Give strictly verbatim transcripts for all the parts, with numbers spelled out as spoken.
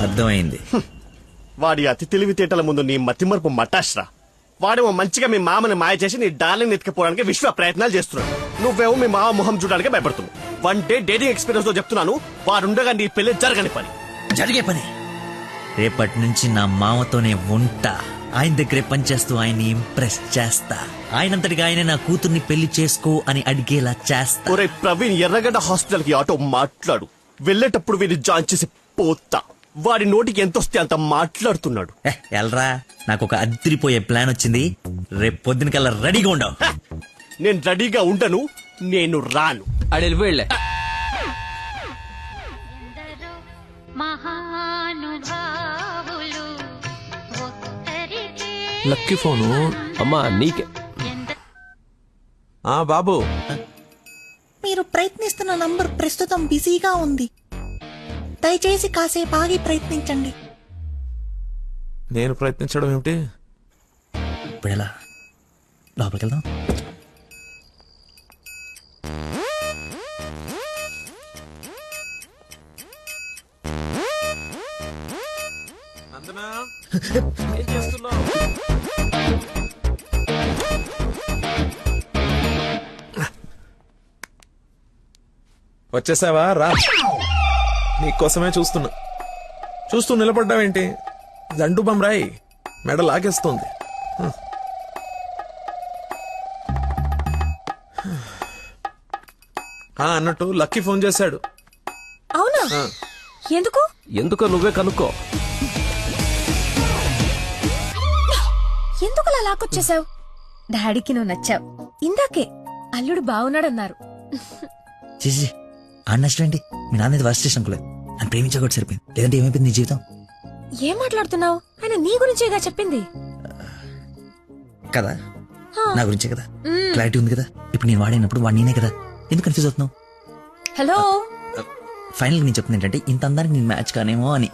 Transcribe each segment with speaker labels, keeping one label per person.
Speaker 1: అర్థమైంది.
Speaker 2: వాడి అతి తెలివితేటల ముందు నీ మతిమరుపు మటాష్రా. వాడేమో మంచిగా మీ మామని మాయ చేసి నీ డార్లింగ్ ఎత్తుకుపోవడానికి విశ్వ ప్రయత్నాలు చేస్తున్నాడు. నువ్వేమో మీ మామ మొహం చూడడానికి భయపడుతున్నావు. వన్ డే డేటింగ్ ఎక్స్పీరియన్స్ తో చెప్తున్నాను, వాడుండగా నీ పెళ్లి జరగని పని.
Speaker 1: జరిగే పని. రేపటి నుంచి నా మామతోనే ఉంటా. ఆయన దగ్గరే పనిచేస్తూ ఆయన్ని ఇంప్రెస్ చేస్తా. ఆయనంతటిగా ఆయన నా కూతుర్ని పెళ్లి చేసుకో అని అడిగేలా చేస్తా.
Speaker 2: ఒరే ప్రవీణ్, ఎర్రగడ్డ హాస్పిటల్ కి ఆటో మాట్లాడు. వెళ్ళేటప్పుడు వీడిని జాయిన్ చేసి పోతా. వాడి నోటికి ఎంత వస్తే అంత మాట్లాడుతున్నాడు.
Speaker 1: ఎల్రా, నాకు ఒక అదిరిపోయే ప్లాన్ వచ్చింది. రేపు పొద్దున కల్లా రెడీగా ఉండవు.
Speaker 2: నేను రెడీగా ఉండను, నేను రాను.
Speaker 3: అడెళ్ళి వెళ్ళే లక్కీ ఫోను అమ్మా నీకే.
Speaker 4: ఆ బాబు,
Speaker 5: మీరు ప్రయత్నిస్తున్న నంబర్ ప్రస్తుతం బిజీగా ఉంది. దయచేసి కాసేపు ఆగి ప్రయత్నించండి.
Speaker 4: నేను ప్రయత్నించడం ఏమిటి?
Speaker 1: ఇప్పుడు ఎలా లోపలికి వెళ్దాం?
Speaker 4: ఏం చేస్తున్నావు? వచ్చేసావా? రా, నీకోసమే చూస్తున్నా. చూస్తూ నిలబడ్డావేంటి? దండు బమ్రాయి మెడ లాగేస్తోంది. ఆ అన్నట్టు లక్కీ ఫోన్ చేశాడు.
Speaker 5: అవునా? ఎందుకు?
Speaker 3: ఎందుకో నువ్వే కనుక్కో.
Speaker 6: ఎందుకు అలా లాక్కొచ్చేసావు? డాడీకి నువ్వు నచ్చావు. ఇందాకే అల్లుడు బాగున్నాడన్నారు.
Speaker 1: చేసి అన్నష్టండి. మీ నాన్న వర్స్ట్ స్టేషన్ అనుకోలేదు. నన్ను ప్రేమించకూడదు సరిపోయింది. లేదంటే ఏమైపోయింది నీ జీవితం?
Speaker 6: ఏం మాట్లాడుతున్నావు? ఆయన నీ గురించేగా చెప్పింది
Speaker 1: కదా, నా గురించే కదా. క్లారిటీ ఉంది కదా. ఇప్పుడు నేను వాడినప్పుడు వాడు నేనే కదా. ఎందుకు కన్ఫ్యూజ్ అవుతున్నావు?
Speaker 6: హలో,
Speaker 1: ఫైనల్ నేను చెప్తుంది ఏంటంటే, ఇంత అందానికి నేను మ్యాచ్ కానేమో అని.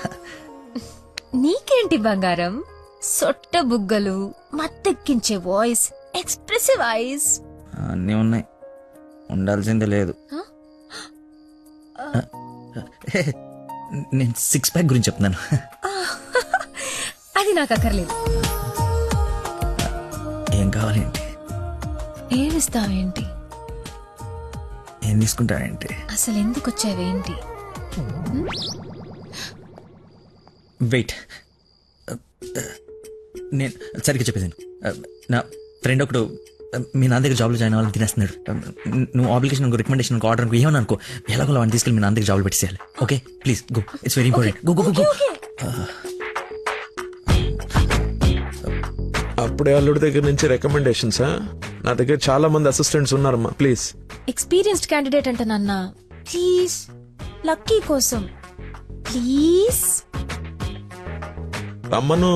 Speaker 6: నీకేంటి బంగారం? సొట్ట బుగ్గలు, మత్తెక్కించే వాయిస్, ఎక్స్ప్రెసివ్ ఐస్
Speaker 1: అన్నీ ఉన్నాయి. ఉండాల్సిందే లేదు. నేను సిక్స్ ప్యాక్ గురించి చెప్తున్నాను.
Speaker 6: అది నాకు అక్కర్లేదు.
Speaker 1: ఏం కావాలేంటి?
Speaker 6: ఏమిస్తావేంటి?
Speaker 1: ఏం తీసుకుంటావేంటి?
Speaker 6: అసలు ఎందుకు వచ్చావేంటి?
Speaker 1: వెయిట్, నేను సరిగ్గా చెప్పేసాను. నా ఫ్రెండ్ ఒకడు మీ నాన్న దగ్గర జాబ్లో జాయిన్ అవ్వాలని తినేస్తున్నాడు. నువ్వు అప్లికేషన్ రికమెండేషన్ ఆర్డర్ అనుకో ఏమని అనుకో, ఎలాగో వాడిని తీసుకెళ్ళి మీ నాన్న దగ్గర జాబ్లో పెట్టేసేయాలి. Okay please go, it's very important. Go go go.
Speaker 4: అప్పుడే అల్లుడి దగ్గర నుంచి రికమెండేషన్సా? నా దగ్గర చాలా మంది అసిస్టెంట్స్ ఉన్నారమ్మా, ప్లీజ్.
Speaker 6: ఎక్స్పీరియన్స్డ్ క్యాండిడేట్ అంట నాన్న. ప్లీజ్, లక్కీ కోసం ప్లీజ్
Speaker 4: రమ్మను.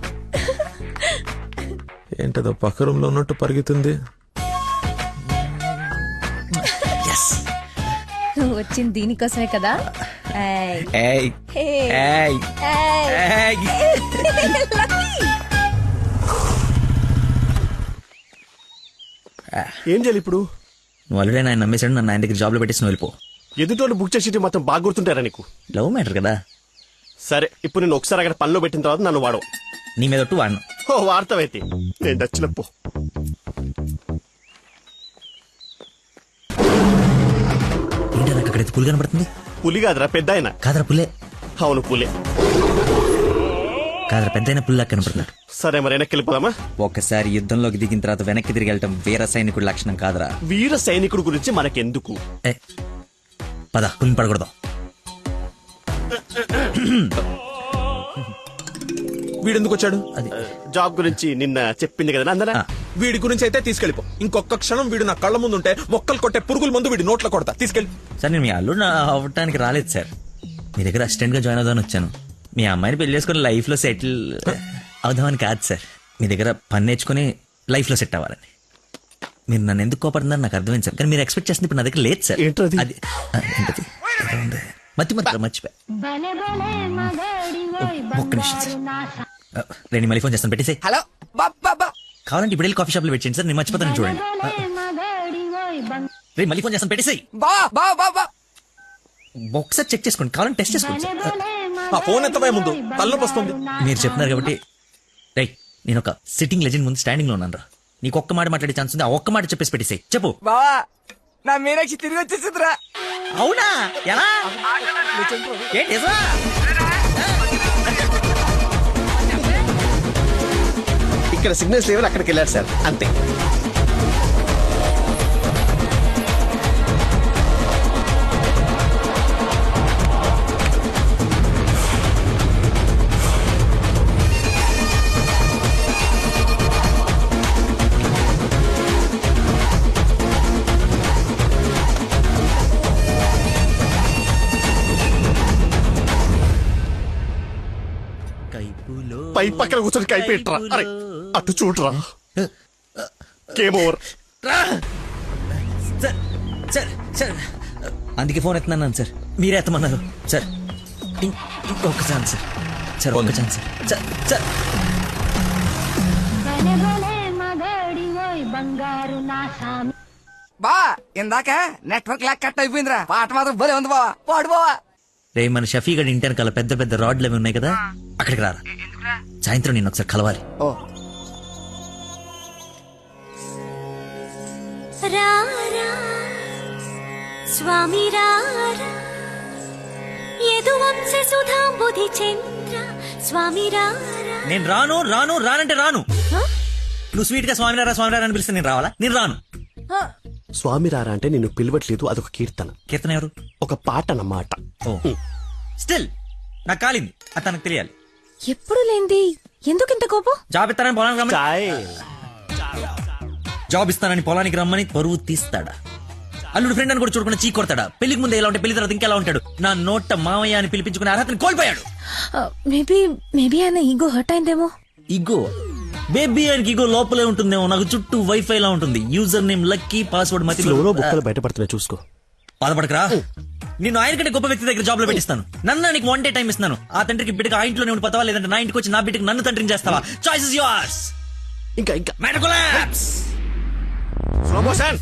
Speaker 4: ఏంటదో పక్క రూమ్ లో ఉన్నట్టు పరిగెత్తుంది.
Speaker 6: నువ్వు వచ్చింది దీనికోసమే కదా.
Speaker 2: ఏం చేయాలి ఇప్పుడు?
Speaker 1: నువ్వు ఆల్రెడీ ఆయన నమ్మేశాడు. నన్ను ఆయన దగ్గర జాబ్లో పెట్టేసి వెళ్ళిపో.
Speaker 2: ఎదుటోళ్ళు బుక్ చేసి మొత్తం బాగా గుర్తుంటారా నీకు?
Speaker 1: లవ్ మ్యాటర్ కదా.
Speaker 2: సరే, ఇప్పుడు నేను ఒకసారి అక్కడ పనిలో పెట్టిన తర్వాత నన్ను వాడవు.
Speaker 1: నీ మీద ఒట్టు వాడను.
Speaker 2: ఓ వార్తవైతే నేను నచ్చినప్పు.
Speaker 1: ఏంటి నాకు అక్కడైతే పులి కనబడుతుంది?
Speaker 2: పులి కాదురా, పెద్ద ఆయన.
Speaker 1: కాదరా పుల్లే.
Speaker 2: అవును పులే.
Speaker 1: కాదరా పెద్ద అయిన పుల్లా కనపడుతున్నాడు.
Speaker 2: సరే మరి వెనక్కి వెళ్ళిపోదామా?
Speaker 1: ఒకసారి యుద్ధంలోకి దిగిన తర్వాత వెనక్కి తిరిగి వెళ్ళటం వీర సైనికుడి లక్షణం కాదరా.
Speaker 2: వీర సైనికుడు గురించి మనకెందుకు?
Speaker 1: ఏ పద, పులిని పడకూడదాం.
Speaker 4: వీడెందుకు వచ్చాడు?
Speaker 1: అది
Speaker 2: జాబ్ గురించి నిన్న చెప్పింది కదా అందరా.
Speaker 4: వీడి గురించి అయితే తీసుకెళ్ళిపో. ఇంకొక క్షణం వీడు నా కళ్ళ ముందు ఉంటే మొక్కలు కొట్టే పురుగుల ముందు వీడి నోట్లో కొడతా. తీసుకెళ్ళి.
Speaker 1: సార్, నేను మీ అల్లుడు అవ్వటానికి రాలేదు సార్. మీ దగ్గర అసిస్టెంట్ గా జాయిన్ అవుదామని వచ్చాను. మీ అమ్మాయిని పెళ్లి చేసుకుని లైఫ్ లో సెటిల్ అవుదామని కాదు సార్. మీ దగ్గర పని నేర్చుకుని లైఫ్ లో సెట్ అవ్వాలని. మీరు నన్ను ఎందుకు కోపడుతున్నారు నాకు అర్థమైంది సార్. కానీ మీరు ఎక్స్పెక్ట్ చేస్తుంది ఇప్పుడు నా దగ్గర లేదు సార్.
Speaker 2: ఏంటది?
Speaker 1: అది ఏంటది? మతి మతి మర్చిపోయా. ఒక్క నిమిషం సార్. రేణి మళ్ళీ ఫోన్ చేస్తాను, పెట్టేసి.
Speaker 3: హలో బాబా,
Speaker 1: కావాలంటే ఇప్పుడు వెళ్ళి కాఫీ షాప్ లో పెట్టండి సార్. నేను మర్చిపోతాను చూడండి. రే మళ్ళీ ఫోన్ చేస్తాను, పెట్టేసి.
Speaker 3: బా బా బా బా
Speaker 1: ఒకసారి చెక్ చేసుకోండి, కావాలంటే టెస్ట్ చేసుకోండి సార్.
Speaker 4: ఆ ఫోన్ ఎత్తవే ముందు తలనొప్పి వస్తుంది.
Speaker 1: మీరు చెప్తున్నారు కాబట్టి రై నేను ఒక సిట్టింగ్ లెజెండ్ ముందు స్టాండింగ్ లో ఉన్నాను రా. నీకు ఒక్క మాట మాట్లాడే ఛాన్స్ ఉంది, ఆ ఒక్క మాట చెప్పేసి పెట్టేసాయి. చెప్పు.
Speaker 7: బావా నా మీనాక్షి తిరిగి వచ్చేసిందిరా.
Speaker 1: అవునా? ఎలా? ఏంటి నిజమా?
Speaker 2: ఇక్కడ సిగ్నల్స్ లేవని అక్కడికి వెళ్ళారు సార్, అంతే.
Speaker 1: కైపులో
Speaker 2: పై పక్కన కూర్చొని కైపెట్టరా. అరే అటు చూడరా. Game over.
Speaker 1: Sir sir sir అందుకే ఫోన్ ఎత్తున్నాను సార్, మీరే ఎత్తమన్నారు సార్. ఇం- ఇంకొక ఛాన్స్ సార్, సార్ ఒక్క ఛాన్స్ సార్. సార్ సార్
Speaker 7: బా ఇందాక నెట్వర్క్ లాక్ కట్ అయిపోయిందిరా. పాట మాత్రం భలే ఉంది బావా, పాడు బావా.
Speaker 1: రే మన షఫీ గడి ఇంటి వెనకాల పెద్ద పెద్ద రాడ్లు అవి ఉన్నాయి కదా, అక్కడికి రారా. సాయంత్రం నేను ఒకసారి కలవాలి.
Speaker 7: ఓ
Speaker 8: రారా స్వామి రారా యదువంశ సుధాంబుధి చంద్ర స్వామి రారా.
Speaker 1: నేను రాను రాను రానంటే రాను. నువ్వు స్వీట్ గా స్వామినారా స్వామినారా అని పిలిస్తే నేను రావాలా? నేను రాను.
Speaker 2: స్వామి రారా అంటే నిన్ను పిలవట్లేదు, అదొక కీర్తన,
Speaker 1: కీర్తన ఎవరు?
Speaker 2: ఒక పాట అన్నమాట.
Speaker 1: ఓ స్టిల్ నాకు కాలింది, అది తనకు తెలియాలి.
Speaker 6: ఎప్పుడు లేంది ఎందుకు ఇంత కోపం?
Speaker 1: జాబ్ ఇస్తానని పొలానికి రమ్మని
Speaker 2: చాయ్.
Speaker 1: జాబ్ ఇస్తానని పొలానికి రమ్మని పరువు తీస్తాడా? అల్లుడు ఫ్రెండ్ అని కూడా చూడకుండా చీ కొడతాడా? పెళ్లికి ముందు ఎలా ఉంటే పెళ్లి తర్వాత ఇంకెలా ఉంటాడు? నా నోట మామయ్య అని పిలిపించుకునే అర్హతని కోల్పోయాడు.
Speaker 6: మేబీ మేబీ ఆయన ఈగో హర్ట్ అయిందేమో.
Speaker 1: ఇగో బేబీ ఆయనకి ఇగో లోపలే ఉంటుందేమో. నాకు చుట్టూ వైఫై లా ఉంటుంది. యూజర్ నేమ్ లక్కీ, పాస్వర్డ్ మతి.
Speaker 2: ఫ్లోలో బుక్కలు బయటపడుతున్నాయి, చూసుకో.
Speaker 1: బాధపడకరా, నిన్ను ఆయన కంటే గొప్ప వ్యక్తి దగ్గర జాబ్ లో పెట్టిస్తాను. నన్ను నీకు వన్ డే టైం ఇస్తున్నాను. ఆ తండ్రికి బిడ్డకి ఆ ఇంట్లోనే ఉండి పోతావా, లేదంటే నా ఇంటికి వచ్చి నా బిడ్డకి నన్ను తండ్రిని చేస్తావా? Choice is yours.
Speaker 2: ఇంకా ఇంకా
Speaker 1: మెడకులాప్స్.
Speaker 2: Slow motion.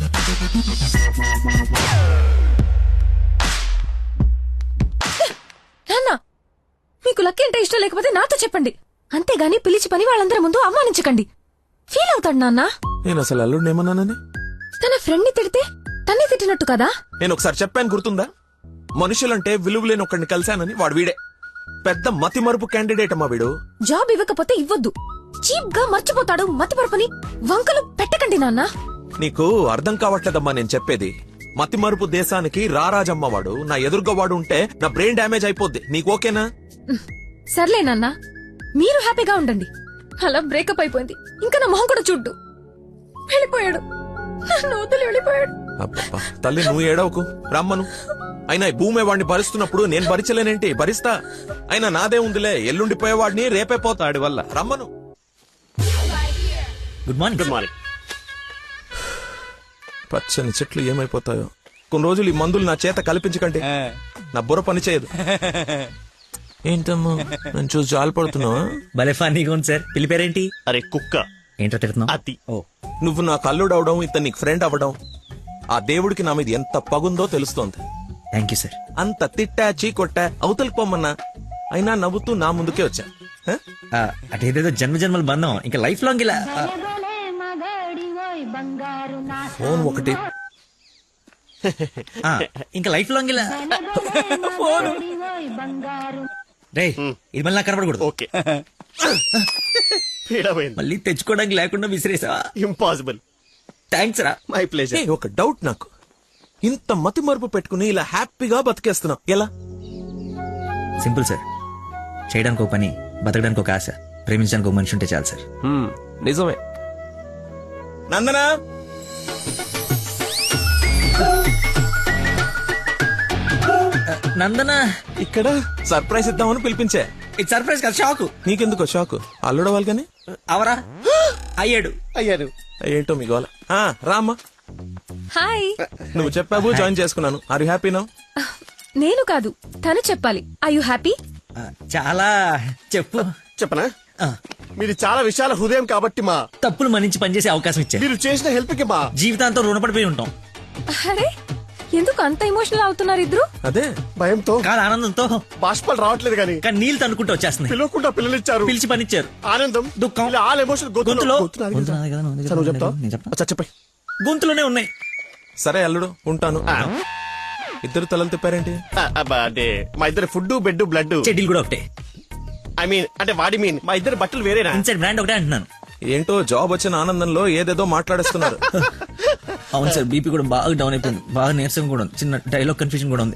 Speaker 6: నాన్న మీకు లక్కీ అంటే ఇష్టం లేకపోతే నాతో చెప్పండి, అంతేగాని పిలిచి పని వాళ్ళందరి ముందు అవమానించకండి. ఫీల్ అవుతాడు నాన్న.
Speaker 4: నేను అసలు అల్లుడిని ఏమన్నానని?
Speaker 6: తన ఫ్రెండ్ ని తిడితే తన్ని తిట్టినట్టు కదా.
Speaker 4: నేను ఒకసారి చెప్పాను, గుర్తుందా? మనుషులంటే విలువలేని ఒకడిని కలిశానని. వాడు వీడే పెద్ద మతి మరుపు క్యాండిడేట్ అమ్మా వీడు.
Speaker 6: జాబ్ ఇవ్వకపోతే ఇవ్వద్దు, చీప్ గా మర్చిపోతాడు. మతిపరపని వంకలు పెట్టకండి నాన్న.
Speaker 4: నీకు అర్థం కావట్లేదమ్మా నేను చెప్పేది. మతి మరుపు దేశానికి రారాజమ్మ వాడు. నా ఎదురుగా వాడు ఉంటే నా బ్రెయిన్ డ్యామేజ్ అయిపోద్ది. నీకు ఓకేనా?
Speaker 6: సర్లే నాన్న, మీరు హ్యాపీగా ఉండండి. అలా బ్రేకప్ అయిపోయింది, ఇంకా నా మొహం కూడా చూడ్డు. వెళ్ళిపోయాడు, నన్ను వదిలి వెళ్ళిపోయాడు.
Speaker 4: అబ్బబ్బా, తల్లి నువ్వు ఏడవకు, రమ్మను. అయినా ఈ భూమి వాడిని భరిస్తున్నప్పుడు నేను భరించలేనేంటి? భరిస్తా. అయినా నాదే ఉందిలే, ఎల్లుండిపోయేవాడిని రేపే పోతాడి వల్ల. రమ్మను.
Speaker 1: Good morning.
Speaker 2: Good morning.
Speaker 4: పచ్చని చెట్లు ఏమైపోతాయో. కొన్ని రోజులు ఈ మందులు నా చేత కల్పించకండి, నా బుర్ర పని చేయదు. ఏంటమ్మా నేను చూసి జాలిపడుతున్నావా?
Speaker 1: భలే ఫన్నీగా ఉంది సార్. పిల్లి పేరేంటి?
Speaker 2: అరే కుక్క.
Speaker 1: ఏంటో తిడుతున్నావు?
Speaker 2: అతి.
Speaker 1: ఓ
Speaker 4: నువ్వు నాకు అల్లుడు అవడం, ఇతను నీకు ఫ్రెండ్ అవ్వడం, ఆ దేవుడికి నా మీద ఎంత పగుందో తెలుస్తోంది.
Speaker 1: Thank you sir.
Speaker 4: అంత తిట్టా చీకొట్టా అవతలికి పొమ్మన్నా అయినా నవ్వుతూ నా ముందుకే వచ్చా. హ?
Speaker 1: అటేదేదో జన్మ జన్మల బంధం, ఇంకా లైఫ్ లాంగ్ ఇలా. ఆ,
Speaker 4: ఫోన్ ఒకటి.
Speaker 1: ఆ, ఇంకా లైఫ్ లాంగ్ ఇలా. రే ఇది మళ్ళీ నాకు కనపడకూడదు.
Speaker 2: ఓకే. పీడమైంది.
Speaker 1: మళ్ళీ తెచ్చుకోవడానికి లేకుండా విసిరేసావా?
Speaker 2: ఇంపాసిబుల్.
Speaker 1: థ్యాంక్స్ రా.
Speaker 2: My pleasure.
Speaker 4: ఏ, ఒక డౌట్ నాకు. ఇంత మతి మరుపు పెట్టుకుని ఇలా హ్యాపీగా బతికేస్తున్నావు ఎలా?
Speaker 1: Simple sir. చేయడానికి ఒక పని, బతకడానికి ఒక ఆశ, ప్రేమించడానికి ఒక మనిషి ఉంటే చాలు సార్.
Speaker 3: నిజమే.
Speaker 4: నందనా,
Speaker 1: నందన
Speaker 2: ఇక్కడ
Speaker 4: సర్ప్రైజ్ ఇద్దామని పిలిపించే.
Speaker 1: ఇది సర్ప్రైజ్ కాదు, షాక్.
Speaker 4: నీకెందుకో షాక్? అల్లుడవాలి కానీ
Speaker 1: అవరా అయ్యాడు.
Speaker 2: అయ్యారు.
Speaker 4: ఏంటో మీ గోల. ఆ, రామ్మా.
Speaker 6: హాయ్.
Speaker 4: నువ్వు చెప్పావు, జాయిన్ చేసుకున్నాను. Are you happy now?
Speaker 6: నేను కాదు, తను చెప్పాలి. I you happy?
Speaker 1: ఆ, చాలా చెప్పు.
Speaker 2: చెప్పనా?
Speaker 1: ఆ,
Speaker 2: మీరు చాలా విశాల హృదయం కాబట్టి మా
Speaker 1: తప్పులు మన్నించి పనిచేసే అవకాశం ఇచ్చారు.
Speaker 2: మీరు చేసిన హెల్ప్ కి మా
Speaker 1: జీవితాంతం రుణపడిపోయి ఉంటాం.
Speaker 6: అరే ఎందుకు అంత ఎమోషనల్ అవుతున్నారు ఇద్దరు?
Speaker 4: అదే
Speaker 2: భయంతో
Speaker 1: కాదు ఆనందంతో,
Speaker 2: బాష్పాలు రావట్లేదు కానీ
Speaker 1: కానీ నీళ్ళు తనుకుంటూ వచ్చేస్తున్నాయి.
Speaker 2: పిలవకుండా పిల్లలిచ్చారు.
Speaker 1: పిలిచి పనిచ్చారు.
Speaker 2: ఆనందం,
Speaker 1: దుఃఖం.
Speaker 2: ఇలా ఆల్ ఎమోషన్
Speaker 1: గొంతులో
Speaker 2: గొంతు నాది
Speaker 1: గొంతు
Speaker 2: కదా.
Speaker 1: నాది కదా, నువ్వు
Speaker 2: సరే, నువ్వు చెప్తావా?
Speaker 1: నేను చెప్తా.
Speaker 2: అచ్చా, చెప్పండి.
Speaker 1: గొంతులోనే ఉన్నాయి.
Speaker 4: సరే అల్లుడు ఉంటాను.
Speaker 2: ఆ,
Speaker 4: ఇద్దరు తలలు తిప్పారేంటి?
Speaker 2: ఆ, అబ్బా, అంటే మా ఇద్దరు ఫుడ్ బెడ్ బ్లడ్.
Speaker 1: చెడ్డీలు కూడా ఒకటే.
Speaker 2: ఐ మీన్ అంటే వాడి మీన్ మా ఇద్దరు బట్టలు వేరేనా?
Speaker 1: ఇన్సైడ్ బ్రాండ్ ఒకటే అంటున్నాను.
Speaker 4: ఏంటో జాబ్ వచ్చిన ఆనందంలో ఏదేదో మాట్లాడేస్తున్నారు.
Speaker 1: అవును సార్, బీపీ కూడా బాగా డౌన్ అయిపోయింది. బాగా నీరసం కూడా ఉంది. చిన్న డైలాగ్ కన్ఫ్యూజన్ కూడా ఉంది.